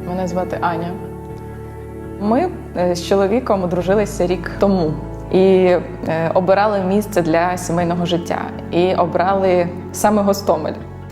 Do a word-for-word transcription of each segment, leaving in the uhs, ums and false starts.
Мене звати Аня. Ми з чоловіком одружилися рік тому і е, обирали місце для сімейного життя. І обрали саме Гостомель.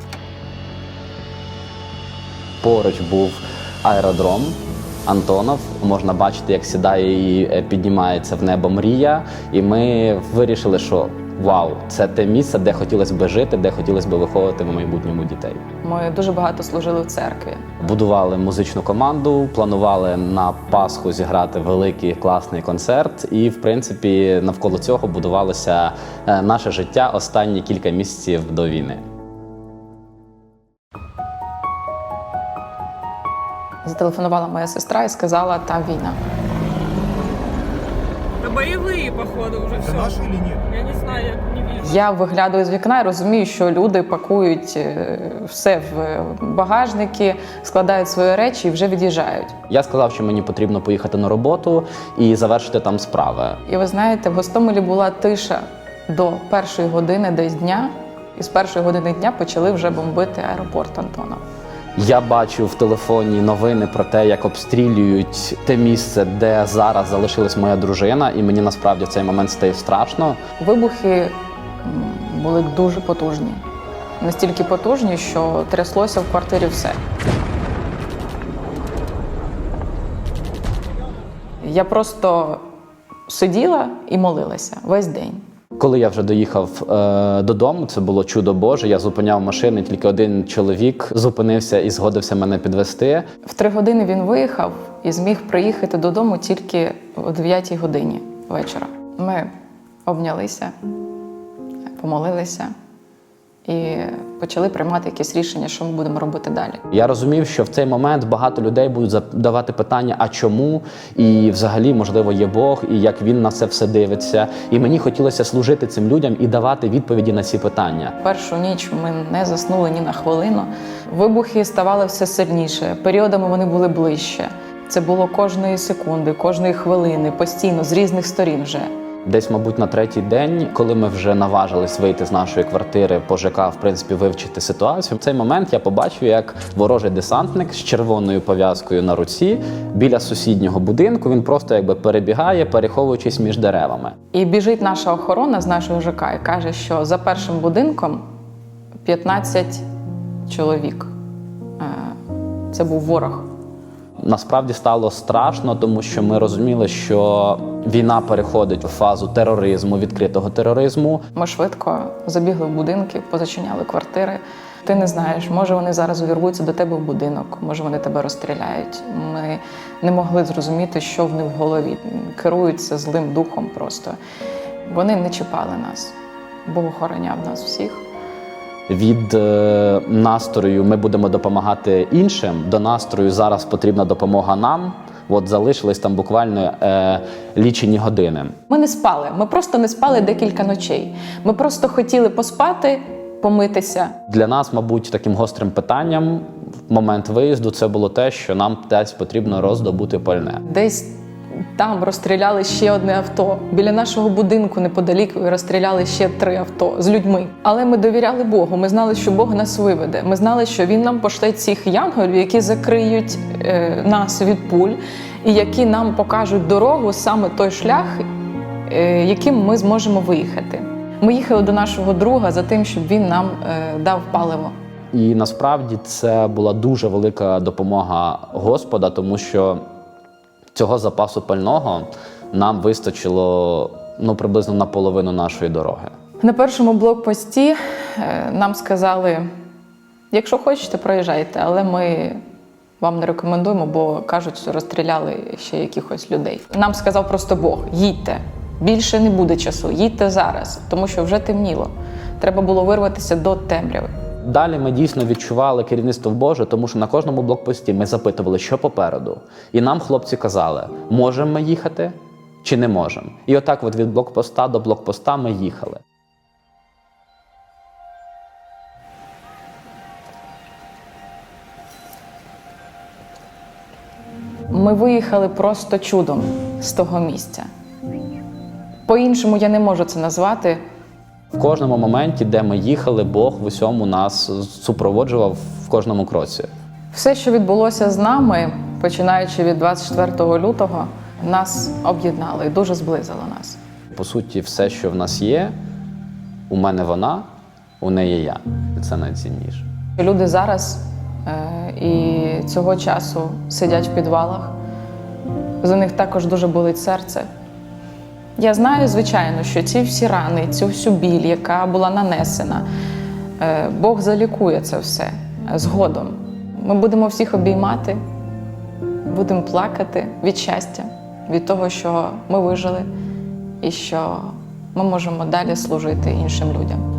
Поруч був аеродром Антонов. Можна бачити, як сідає і піднімається в небо мрія. І ми вирішили, що вау, це те місце, де хотілося б жити, де хотілося б виховувати в майбутньому дітей. Ми дуже багато служили в церкві. Будували музичну команду, планували на Пасху зіграти великий класний концерт. І, в принципі, навколо цього будувалося наше життя останні кілька місяців до війни. Зателефонувала моя сестра і сказала, там війна. Да боевые, походу, уже все. Это наши или нет? Я не знаю, я не вижу. Я виглядаю з вікна і розумію, що люди пакують е, все в багажники, складають свої речі і вже від'їжджають. Я сказав, що мені потрібно поїхати на роботу і завершити там справи. І ви знаєте, в Гостомелі була тиша до першої години десь дня, і з першої години дня почали вже бомбити аеропорт Антонов. Я бачу в телефоні новини про те, як обстрілюють те місце, де зараз залишилась моя дружина, і мені насправді в цей момент стає страшно. Вибухи м, були дуже потужні. Настільки потужні, що тряслося в квартирі все. Я просто сиділа і молилася весь день. Коли я вже доїхав е, додому, це було чудо Боже, я зупиняв машини, тільки один чоловік зупинився і згодився мене підвезти. В три години він виїхав і зміг приїхати додому тільки о дев'ятій годині вечора. Ми обнялися, помолилися і почали приймати якісь рішення, що ми будемо робити далі. Я розумів, що в цей момент багато людей будуть задавати питання, а чому? І взагалі, можливо, є Бог, і як Він на це все дивиться. І мені хотілося служити цим людям і давати відповіді на ці питання. Першу ніч ми не заснули ні на хвилину. Вибухи ставали все сильніше, періодами вони були ближче. Це було кожної секунди, кожної хвилини, постійно, з різних сторін вже. Десь, мабуть, на третій день, коли ми вже наважились вийти з нашої квартири, по ЖК, в принципі, вивчити ситуацію, в цей момент я побачив, як ворожий десантник з червоною пов'язкою на руці біля сусіднього будинку, він просто якби перебігає, переховуючись між деревами. І біжить наша охорона з нашого ЖК і каже, що за першим будинком п'ятнадцять чоловік. Це був ворог. Насправді стало страшно, тому що ми розуміли, що війна переходить у фазу тероризму, відкритого тероризму. Ми швидко забігли в будинки, позачиняли квартири. Ти не знаєш, може вони зараз увірвуться до тебе в будинок, може вони тебе розстріляють. Ми не могли зрозуміти, що в них в голові. Керуються злим духом просто. Вони не чіпали нас. Бог охороняв нас всіх. Від е, настрою ми будемо допомагати іншим, до настрою зараз потрібна допомога нам. От залишились там буквально е, лічені години. Ми не спали, ми просто не спали декілька ночей. Ми просто хотіли поспати, помитися. Для нас, мабуть, таким гострим питанням в момент виїзду це було те, що нам десь потрібно роздобути пальне. Десь там розстріляли ще одне авто. Біля нашого будинку неподалік розстріляли ще три авто з людьми. Але ми довіряли Богу, ми знали, що Бог нас виведе. Ми знали, що Він нам пошле цих янголів, які закриють е, нас від пуль і які нам покажуть дорогу, саме той шлях, е, яким ми зможемо виїхати. Ми їхали до нашого друга за тим, щоб він нам е, дав паливо. І насправді це була дуже велика допомога Господа, тому що цього запасу пального нам вистачило ну, приблизно на половину нашої дороги. На першому блокпості е, нам сказали, якщо хочете, проїжджайте, але ми вам не рекомендуємо, бо кажуть, що розстріляли ще якихось людей. Нам сказав просто Бог, їдьте, більше не буде часу, їдьте зараз, тому що вже темніло. Треба було вирватися до темряви. Далі ми дійсно відчували керівництво Боже, тому що на кожному блокпості ми запитували, що попереду. І нам хлопці казали, можемо ми їхати чи не можемо. І отак от від блокпоста до блокпоста ми їхали. Ми виїхали просто чудом з того місця. По-іншому я не можу це назвати. В кожному моменті, де ми їхали, Бог в усьому нас супроводжував в кожному кроці. Все, що відбулося з нами, починаючи від двадцять четвертого лютого, нас об'єднало і дуже зблизило нас. По суті, все, що в нас є, у мене вона, у неї я. І це найцінніше. Люди зараз е, і цього часу сидять в підвалах. За них також дуже болить серце. Я знаю, звичайно, що ці всі рани, цю всю біль, яка була нанесена, е, Бог залікує це все згодом. Ми будемо всіх обіймати, будемо плакати від щастя, від того, що ми вижили і що ми можемо далі служити іншим людям.